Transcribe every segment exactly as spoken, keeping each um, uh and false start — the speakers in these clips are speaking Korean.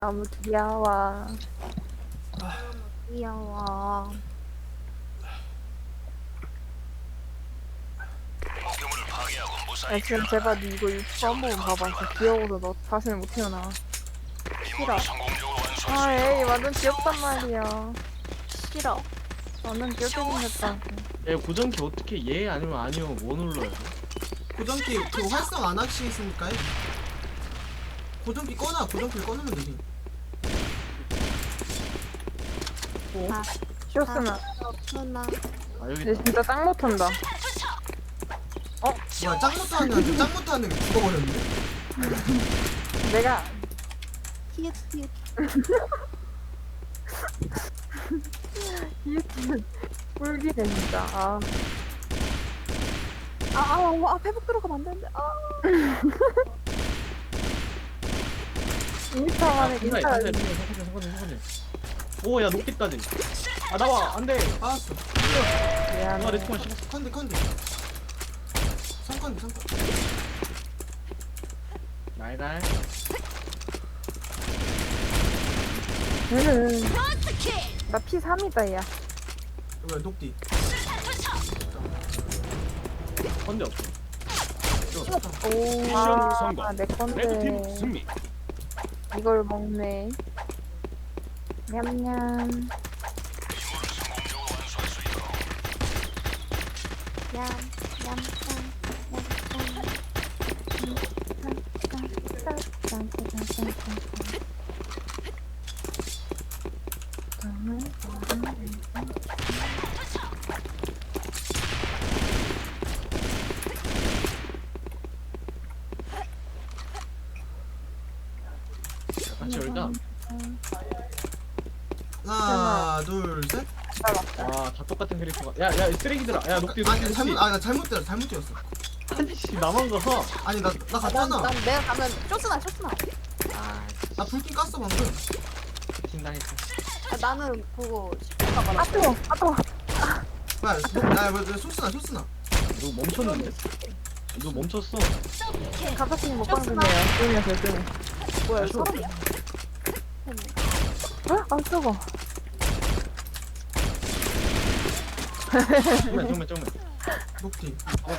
너무 귀여워. 너무 귀여워. 야, 지금 제발 니 이거 유튜브 한 번 봐봐. 진짜 귀여워서 너 다시는 못 태어나. 싫어. 아, 에이, 완전 귀엽단 말이야. 싫어. 완전 귀엽게 생겼다. 야 고정키 어떻게 예 아니면 아니요 뭐 눌러야 돼? 고정키 그 활성 안 하시겠습니까? 고정키 꺼놔. 고정키를 꺼놓으면 되지. 아, 쇼스나. 누나 아 여기 얘 있다. 진짜 짱 못한다. 뭐야 짱 못하는 애들 짱 못하는 애 죽어버렸는데? 내가 히읗 히읗 유튜브 꿀기네, 진짜. 아, 아아 아, 회복 들어가면 안 되는데 아 인스타 만에 상관이 인스타. 상관이 상관이 상관이 상관이. 오야 높겠다지. 아 나와 안돼. 빠졌어. 아 미안해. 레스폰 씹었어. 컨디 컨디. 삼컨디 삼컨. 날갈. 음. 나 피 삼이다, 야. 뭐야 녹디. 건데 없어. 오, 미션 성공. 아, 내 레드팀 건데. 승리. 이걸 먹네. 냠냠. 같이 열자. 하나 둘 셋. 와다 똑같은 캐릭터가. 야야 쓰레기들아. 야 녹디 아니 녹디 잘못 녹디. 아나 잘못 뛰었어. 잘못 뛰었어. 아니씨 나만 가서. 아니 나 나 난, 갔잖아. 난 내가 가면 쇼스나 쇼스나 아 나 불빛 깠어 방금. 진당했어. 아, 나는 보고 싶을까봐 아, 뜨거! 아, 뜨거! 뭐야 나 뭐야 소스나 소스나. 너 멈췄는데? 너 멈췄어. 갑자기 못 방송해요. 게임이었어요, 게임. 뭐야 아, 쇼. 사람이야 어? 아, 뜨거! 정말 정말 정말. 녹디.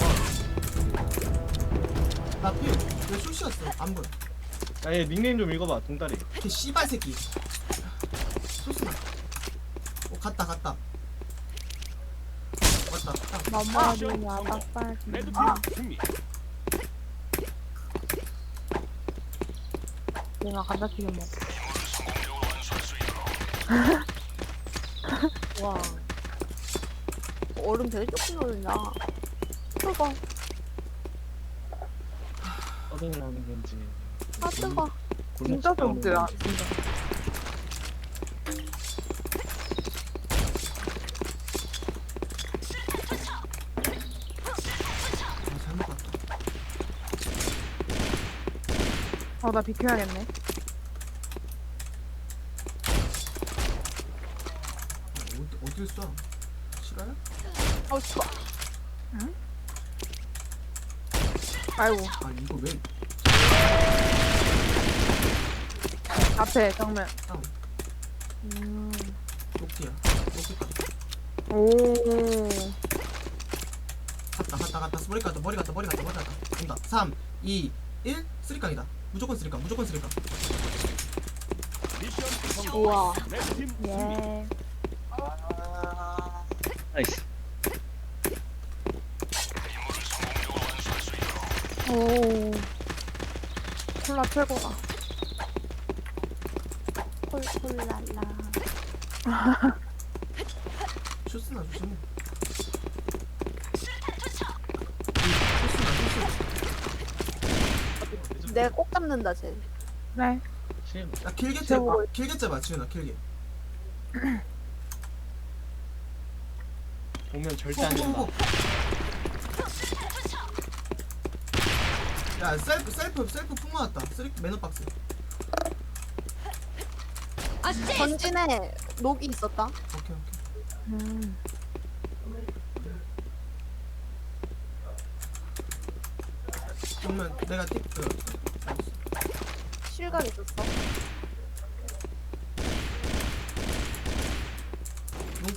나 피. 왜 소시였어? 안 보여. 야얘 닉네임 좀 읽어봐 동다리. 걔 씨발 새끼. 소스나. 어 갔다 갔다. 왔다 갔다. 머머리와 빡빡이. 레드팀 승리. 내가 감자튀김 먹어. 와 얼음 되게 조금 넣는다 뜨거 떠들라는 건지. 아 뜨거 진짜 좋더라, 진짜. 아 잘못 갔다. 어, 나 비켜야겠네. 어디 어딜 쏴? 싫어요? 어 추워 아이고, 아 이거 왜? 앞에 정면. 다운. 음. 녹디야. 녹디다. 오. 갔다 갔다 갔다 머리 갔다 머리 갔다 머리 갔다 머리 갔다 온다. 삼, 이, 일 쓰리깡이다. 무조건 쓰리깡 무조건 쓰리깡. 미션 성공. 우와 레드팀 승리. 예. 나이스. 오. 콜라 최고다. 콜콜랄라 쇼스나 조심해. 쇼스나 쇼스. 내가 꼭 잡는다 쟤 네. 심. 야 길게 째 저거. 길게 째봐 지훈아 길게. 보면 절대 안 된다. 야 셀프 셀프 셀프 풍 맞았다. 쓰리 매너 박스. 전진에 녹이 있었다 오케이 오케이. 음. 그러면 내가 틱 그. 실각 있었어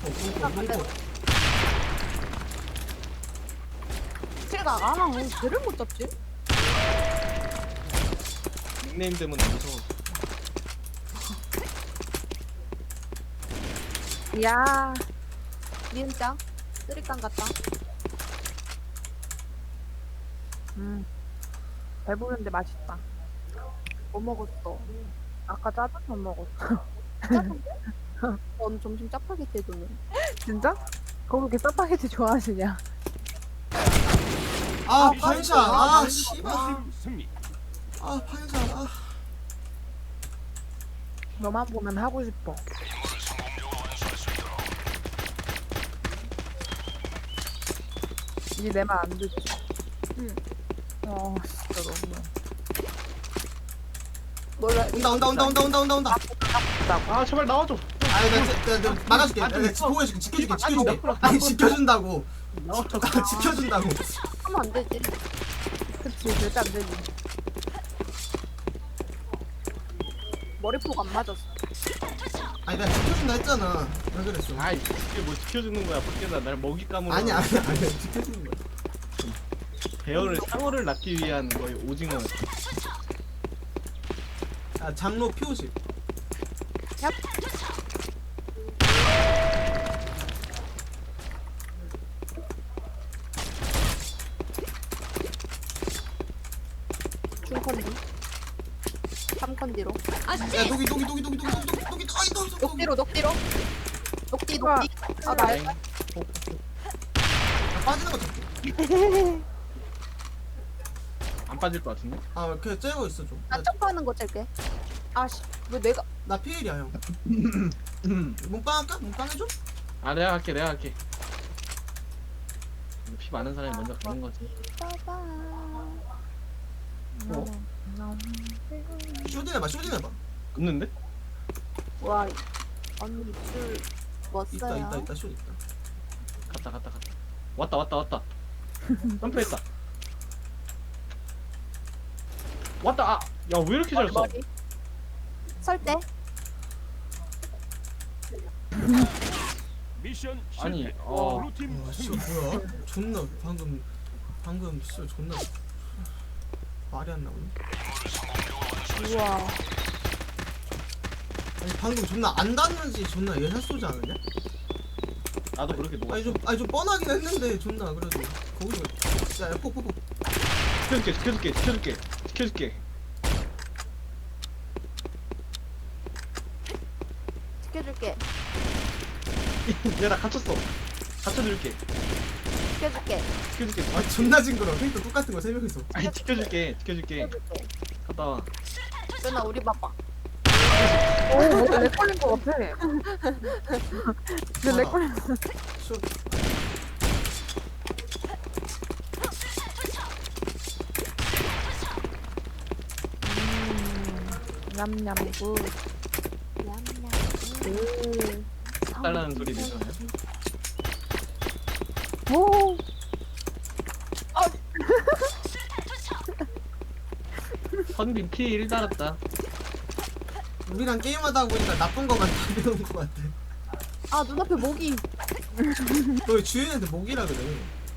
공포 공포. 칠각 아 왜 걔를 못 잡지? 닉네임 때문에 무서워. 야, 니은짱 쓰리깡 같다. 음, 배부른데 맛있다. 뭐 먹었어? 아까 짜장면 먹었어. 넌 점심 짜파게티 해도는. 진짜? 거기 이렇게 짜파게티 좋아하시냐? 아 파이샷. 아 씨발. 팀 승리. 아 파이샷. 아. 너만 보면 하고 싶어. 이제 내 말 안 듣지? 응. 어, 진짜 너무. 몰라. 온다 온다 온다 온다 온다 온다 온다. 아 제발 나와줘. 아니 나, 나, 나 막아줄게. 나, 나 보여줄게. 지켜줄게. 지켜줄게. 아니 지켜준다고. 나와줘. 아, 지켜준다고. 하면 안 되지. 그치, 절대 안 되지. 머리폭 안 맞았어. 아니 나 지켜준다 했잖아. 왜 그랬어? 아이 이게 뭐 지켜주는 거야 밖에다 날 먹이 까물어. 아니 아니 아니 지켜주는 거야. 배어를 상어를 낳기 위한 거의 오징어. 아 장로 피오십. 중컨디. 삼컨디로. 야 녹이 녹이 녹이 녹이 녹이 녹이 녹이 아이 녹이 녹이. 녹디로 녹디로. 녹디 우와. 녹디. 아 나. 땡. 빠지는 거 잡게. 안 빠질 것 같은데? 아 그냥 째고 있어 좀. 나 점프하는 거 짤게. 아씨 왜 내가 나 피일이야 형. 몸빵 할까? 몸빵 해줘? 아 내가 할게 내가 할게. 피 많은 사람이 먼저 가는 거지. 봐봐. 어? 쇼딘 해봐 쇼딘 해봐. 없는데? 와 언니 술 멋어요. 있다 있다 있다 쇼 있다. 갔다 갔다 갔다. 왔다 왔다 왔다. 점프했다. 왔다. 아, 야 왜 이렇게 잘 써? 머리. 설 때. 미션 아니, 실패. 어. 블루팀 와 씨, 승리. 뭐야? 존나 방금 방금 씨 존나 말이 안 나오네. 우와. 아니 방금 존나 안 닿는지 존나 예사 쏘지 않았냐? 나도 그렇게 녹아. 아니 좀 아니 좀 뻔하긴 했는데 존나 그래도 거기서 야폭폭폭 지켜줄게 지켜줄게 지켜줄게 지켜줄게. 지켜줄게. 야나 갇혔어. 갇혀줄게. 지켜줄게. 지켜줄게. 아 존나 징그러워. 그러니까 똑같은 거 세 명이서. 아니 지켜줄게 지켜줄게. 지켜줄게. 갔다 와. 누나 우리 봐봐. 오, 뭔가 렉 걸린 것 같아. 진짜 렉 걸린 것 같아. 쇼 냠냠 굿. 냠냠. 음. 달라는 소리 내잖아요. 오. 선빈 피 일 달았다. 우리랑 게임하다 보니까 나쁜 거만 다 배운 거 같아. 아 눈앞에 모기. 너 주연한테 목이라 그래.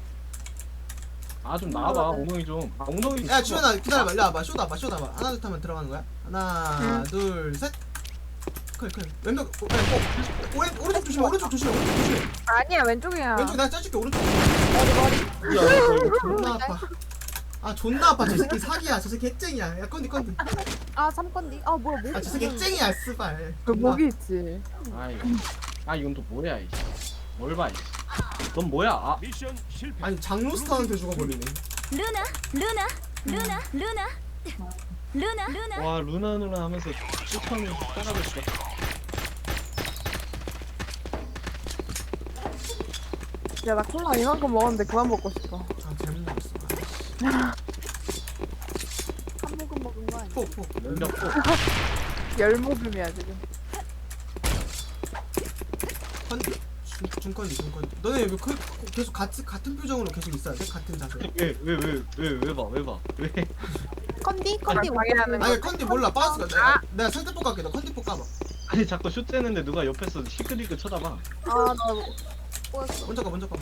아 좀 나와봐 엉덩이 좀. 아, 엉덩이. 야 주연아 기다려봐. 일로 와봐. 쇼다 봐 쇼다 봐. 하나 둘 하면 들어가는 거야. 하나 둘 셋. 클 클. 왼쪽 어, 어, 어, 오른 오른쪽 조심해. 오른쪽 조심해. 오른쪽 조심해. 아니야, 왼쪽이야. 왼쪽 내가 짜줄게. 오른쪽. 머리 머리. 야, 이거, 이거. 존나 아파. 아 존나 아파. 저 새끼 사기야. 저 새끼 핵쟁이야. 야 컨디 컨디. 아 삼컨디. 아 뭐야 모기. 아 저 새끼 핵쟁이야. 스발. 그 목이 있지. 아 이거. 아 이건 또 뭐야 이씨. 뭘 봐 이씨. 넌 뭐야? 아 미션 실패. 아니 장로스타한테 죽어버리네. 루나, 루나, 루나, 루나, 루나, 루나. 와 루나 누나 하면서 쫓아오면 따라갔어. 야, 나 콜라 이만큼 먹었는데 그만 먹고 싶어. 아 잘못 먹었어. 한 모금 먹은 거 아니야? 폭 폭. 연력 또. 열 모금이야, 지금. 컨디. 중, 중컨디 중컨디. 너네 왜 그, 계속 같이 같은 표정으로 계속 있어야 돼? 같은 자세. 왜왜왜왜왜 봐? 왜 봐? 왜? 컨디 컨디 방해하는 아니 컨디 몰라. 빠스가 내가 내가 살짝 볶아게. 너 컨디 볶아봐. 아니 아니 자꾸 슛 째는데 누가 옆에서 시크릿 쳐다봐. 아나 꼬였어. 먼저 가 먼저 가.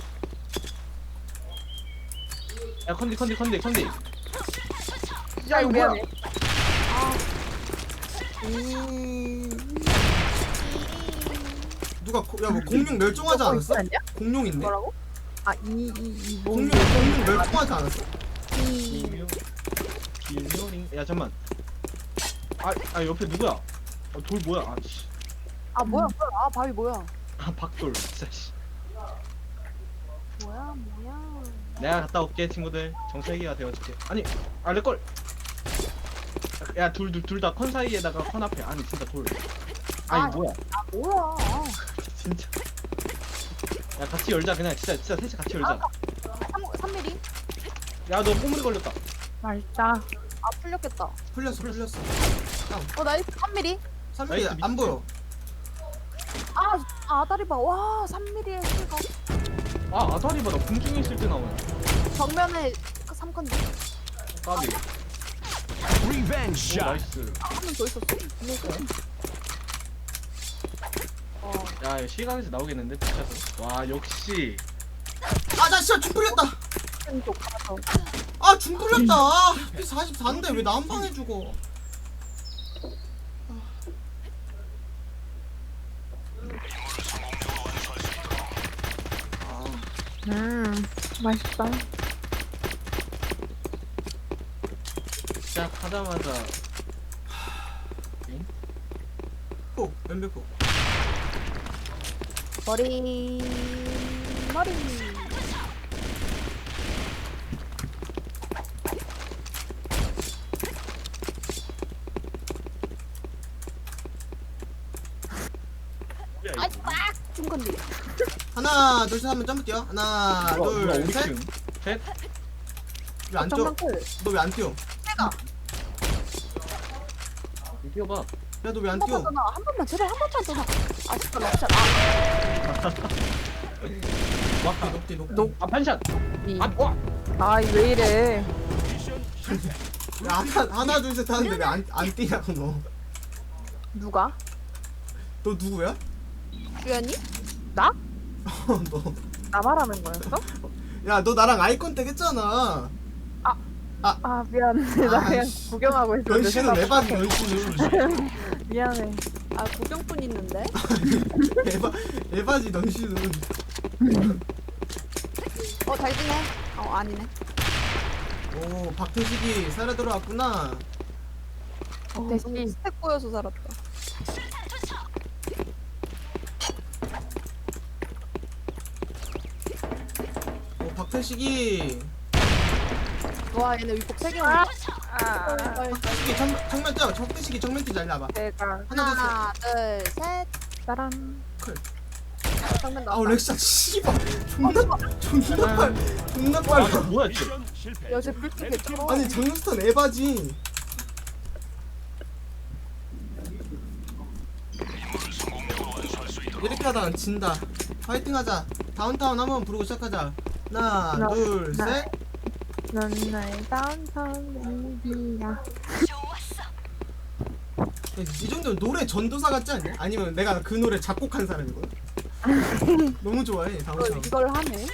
야 컨디 컨디 컨디 컨디. 야 이거 미안해. 누가 고, 야뭐 공룡 멸종하지 않았어? 아니야? 공룡 있네. 뭐라고? 아이이이 공룡 공룡 멸종하지 않았어? 김요 김요링. 야 잠만. 아, 아 옆에 누구야? 어, 돌 뭐야? 아 씨. 아 뭐야 뭐야? 아 바위 뭐야? 아 박돌. 진짜 씨. 뭐야 뭐야? 내가 갔다 올게 친구들. 정세기가 되어줄게. 아니 아 내 걸. 야둘 둘 둘 다 컨 사이에다가 컨 앞에. 아니 진짜 돌. 아니 아. 뭐야? 아 뭐야? 아, 진짜. 야 같이 열자 그냥 진짜 진짜 셋이 같이 열자. 삼 밀리? 야 너 꼬물이 걸렸다. 맛있다. 아 풀렸겠다. 풀렸어 풀렸어. 어 나이스 삼 밀리? 삼 밀리 나이스, 안 보여. 아, 아 다리 봐. 와 삼 밀리의 실각. 아 아다리 봐나 공중에 있을 때 나오네. 정면에 삼 컨디. 까비. 리벤지 오 샷. 나이스. 한 명 더 있었어. 어. 야 이거 시간에서 나오겠는데 피쳐서. 와 역시. 아나 진짜 중 풀렸다. 왼쪽 가서. 아중 풀렸다. 아, 피 사십사인데 왜 나 한 방에 죽어? 음 맛있다. 시작하자마자. 폭 왼벽 폭. 머리 머리. 뭐야 아, 이거. 빡! 중 컨디. 하나 둘 셋 하면 점프 뛰어. 하나 뭐야 뭐야 우리 둘 셋. 팀. 셋. 왜 안 뛰어? 정면 클. 너 왜 안 뛰어? 내가 뛰어봐. 야 너 왜 안 한 뛰어? 번만 더 나. 한 번만 제발 한 번만 더 나. 아 진짜 럭샷. 아 와. 녹디 녹디. 녹. 아 반샷. 이. 아 와. 아이 왜 이래? 미션 실패. 야 하나 하나 둘 셋 하는데 왜 안 안 뛰냐고 너. 누가? 너 누구야? 주연이? 나? 어, 너. 나 말하는 거였어? 야 너 나랑 아이 컨택 했잖아. 아 미안해. 나 그냥 아이씨. 구경하고 있었는데. 연씨는 생각- 에바지 연씨는. 미안해. 아 구경꾼 있는데? 에바 에바지 넌씨는. 어 잘 지내? 어 아니네. 오 박태식이 살아 들어왔구나. 어, 대시. 너무 스택 보여서 살았다. 오 박태식이. 와 얘네 위폭 세 개 아, 온다. 아, 박태식이 정 정면 뛰어. 박태식이 정면 뛰자 일로 와봐. 내가 하나 둘 셋. 하나 둘셋 짜란. 정면 아우 나왔다. 렉샷 씨발 존나 존나 빨 존나 아 빨라. 뭐야 쟤. 미션 실패. 여제 불빛 개쩔어. 아니 장스턴 에바지. 이렇게 하다가 진다. 파이팅하자. 다운타운 한번 부르고 시작하자. 하나 하나, 둘 하나. 셋. 넌 나의 다운타운 베이비야. 이 정도면 노래 전도사 같지 않냐? 아니면 내가 그 노래 작곡한 사람이거든. 너무 좋아해 이걸, 다운타운. 이걸 하네.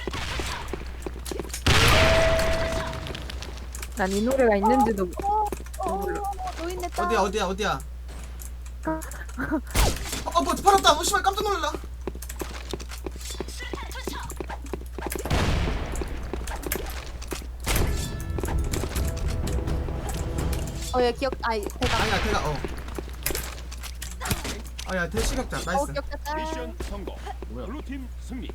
난 이 노래가 있는지도 어, 어, 어, 노인 냈다. 어디야 어디야 어디야. 어뭐 팔았다. 어 씨발 깜짝 놀라. 어얘 기억 아이 대가. 아니야 대가 어. 아야 대시각자 어 나이스. 기억했다. 미션 성공. 뭐야? 블루팀 승리.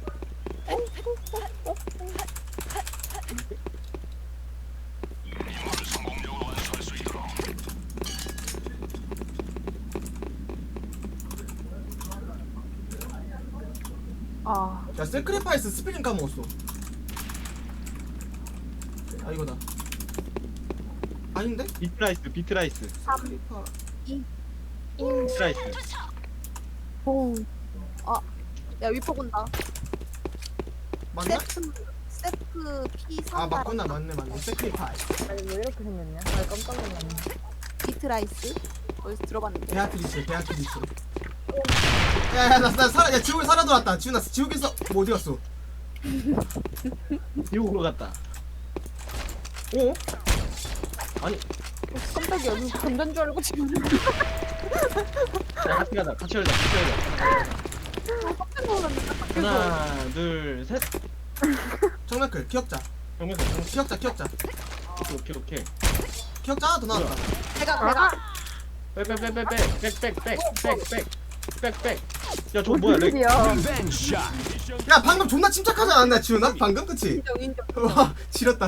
아 야 세크리파이스 스펠링 까먹었어. 아 이거다. 아닌데? 비트라이스 비트라이스. 세크리파. 비트라이스. 오. 아, 야 위폭 온다. 맞나? 세트 세트 P 삼. 아 맞구나 맞네 맞네 세크리파이. 아니 왜 이렇게 생겼냐? 아 깜짝 놀랐네. 비트라이스. 어디서 들어봤는데. 베아트리스 베아트리스. 야야 나 나 살아 야 지옥에 살아 돌았다. 지훈아 지옥에서 뭐 어디 갔어? 지옥으로 갔다. 어? 아니, 깜짝이야. 여기 건전 줄 알고 지금. 야, 같이 가자. 같이 열자. 같이 열자. 깜짝 놀랐네. 하나, 둘, 셋. 정면클 기억자. 정면 정면. 기억자 기억자. 오케이 오케이 오케이. 기억자 하나 더 나왔다. 내가 내가 백백백백백백백백백백백. 야 저거 뭐야? 렉. 야 리벤지 샷. 미션 야 방금 존나 침착하지 않았나 지훈아? 방금 그치? 인정 인정. 와 지렸다.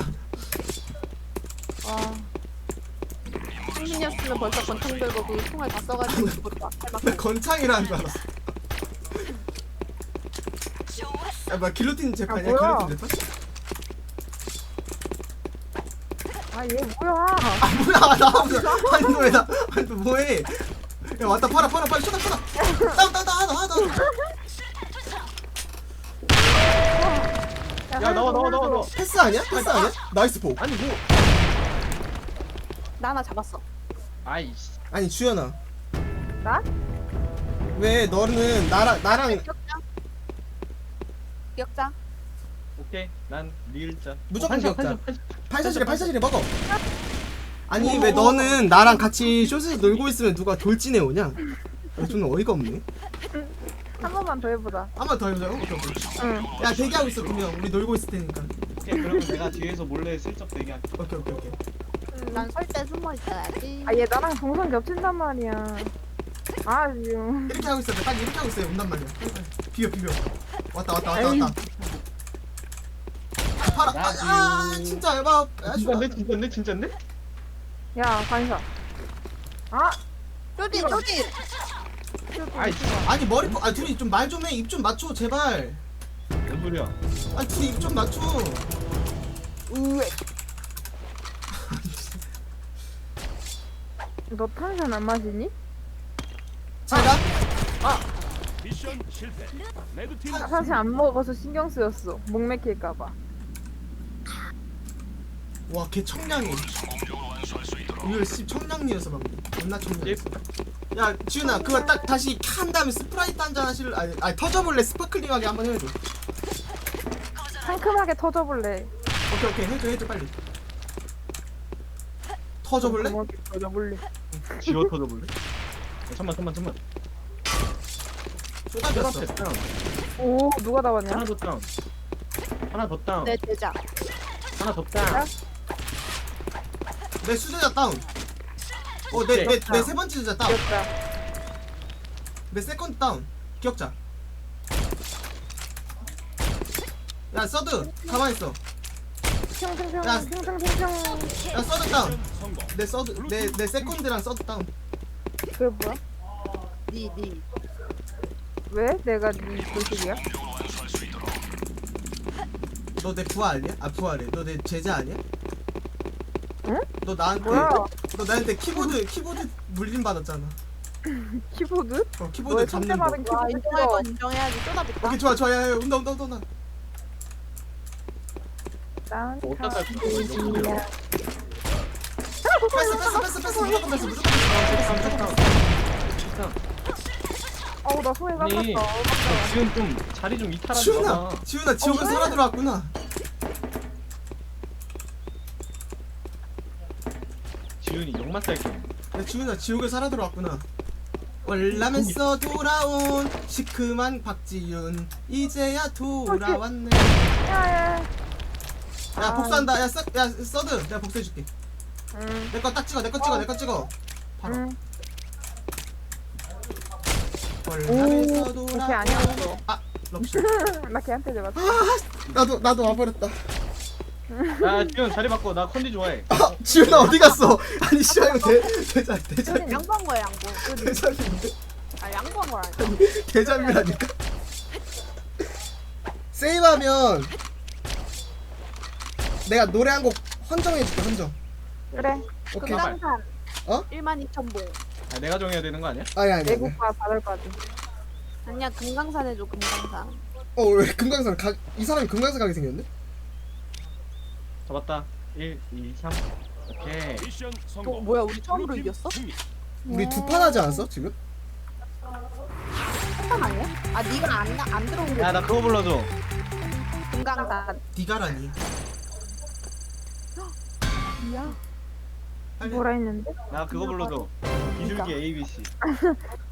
와. 승민이었으면 벌써 권총 들고 그 총알 다 써가지고 죽었다. 나 건창이라는 줄 알았어. 야 뭐야 길로틴 재판이야? 아, 뭐야? 길로틴 재판? 아 얘 뭐야 아 뭐야 나 아니 너왜 나 아니 너 뭐해? 야 왔다 팔아 팔아 빨리 쏟아 쏟아. 다운 다운 다운 하나 하나 하나. 야 나와 나와 나와 나와. 패스 아니야? 패스 아니야? 나이스 포. 아니 뭐? 나 하나 잡았어. 아이씨. 아니 주연아. 나? 왜 너는 나랑 나랑 기억자. 기억자. 오케이. 난 리을자. 무조건 어, 한샷, 기억자. 한샷, 한샷. 팔샷이래 팔샷이래 먹어. 아니 왜 너는 나랑 같이 쇼츠에서 놀고 있으면 누가 돌진해 오냐? 야, 좀 어이가 없네. 한 번만 더 해보자 한 번 더 해보자고? 오케이 오케이. 응 야 대기하고 있어 그러면 우리 놀고 있을 테니까. 오케이 그러면 내가 뒤에서 몰래 슬쩍 대기할게. 오케이 오케이 오케이. 난 설 때 숨어 있어야지. 아 얘 나랑 동선 겹친단 말이야 아 지금 이렇게 하고 있어. 빨리 이렇게 하고 있어요. 온단 말이야. 빨리, 빨리. 비벼 비벼. 왔다 왔다 왔다 에이. 왔다. 아, 팔아. 아, 아 진짜 얇아. 아, 진짜인데 진짜인데 진짜인데? 야 반사 아 쪼디 쪼디. 아이씨. 아니 머리 아 둘이 좀 말 좀 해. 입 좀 맞춰 제발. 뭔 소리야? 아니 둘이 입 좀 맞춰. 우에. 너 탄산 안 마시니? 제가 미션 실패. 레드팀 나 사실 안 먹어서 신경 쓰였어 목 맥힐까봐 와 걔 청량해. 이거 씨 청량리였어 방금. 존나 청량했어. 야 지훈아 그거 딱 다시 한 다음에 스프라이트 한 잔 하실 아니 아니 터져볼래 스파클링하게 한번 해줘. 상큼하게 터져볼래 오케이 오케이 해줘 해줘 빨리. 터져볼래? 고맙게 터져볼래 지워 터져볼래? 야, 잠만 잠만 잠만. 쏟아졌어. 쏟아졌어. 다운. 오 누가 다 왔냐? 하나 더 다운. 하나 더 다운. 내 제자. 하나 더 다운. 내 수제자 다운. 어내 내 내 세 번째 수제자 다운. 귀엽다 내 세컨드 다운. 기억자. 야 서드 가만 있어. 평평평 야. 평평평평 야 서드 다운. 성공. 내 서드 내 내 세컨드랑 서드 다운. 그게 뭐야? 니 니. 왜? 내가 네 조식이야? 너 내 부하 아니야? 아 부하래. 너 내 제자 아니야? 응? 너 나한테 뭐야? 너 나한테 키보드 키보드 물림 받았잖아. 키보드? 어 키보드 너의 잡는 첫째 거. 받은 와 키보드 인정할 찍어 건 인정해야지. 쏟아붓다. 오케이 좋아 좋아 야야 온다 온다 온다 온다. 난 뭐 어디다 깔 거야? 가족이야. 패스 패스 패스 패스 무조건 패스 무조건 패스. 무조건 패스. 다운. 어우 나 손에 아니, 깎았다 너 지금 좀 자리 좀 이탈하지 지훈아 마. 지훈아 지옥에 살아 들어왔구나. 지훈이 욕만 살게. 야 지훈아 지옥에 살아 들어왔구나. 월남에서 돌아온 시큼한 박지윤 이제야 돌아왔네. 야야 야 복수한다. 야, 서, 야 서드 내가 복수해줄게. 응 내 거 딱 찍어 내 거 찍어 내 거 찍어. 바로. 응. 월남에서 오, 돌아온 걔 아니었어. 아 럽시. 나 걔한테 잡았어 나도 나도 와버렸다. 야 지훈 자리 바꿔. 나 컨디 좋아해. 아 지훈아 어디 갔어? 아니 씨발 이거 대 대자 대자 저는 양보한 거야 양보. 대자인데 아 양보한 거야. 대자미라니까. 세이브하면 내가 노래 한 곡 헌정해줄게 헌정. 그래 오케이. 금방. 금강산. 어? 일만 이천 봉. 아 내가 정해야 되는 거 아니야? 아니 아니. 아니. 내국과 받을까지 아니야 금강산 해줘 금강산. 어왜 금강산 가? 이 사람이 금강산 가게 생겼네? 잡았다. 일, 이, 삼. 오케이. 미션 어 성공. 뭐야 우리 처음으로 블루팀 이겼어? 승리. 우리 두 판 하지 않았어 지금? 사탕 아니야? 아 네가 안, 나- 안 들어온 게 야 나 그거 불러줘. 금강단. 디가라니. 야 빨리. 뭐라 했는데? 나 그거 불러줘. 비둘기 에이비씨.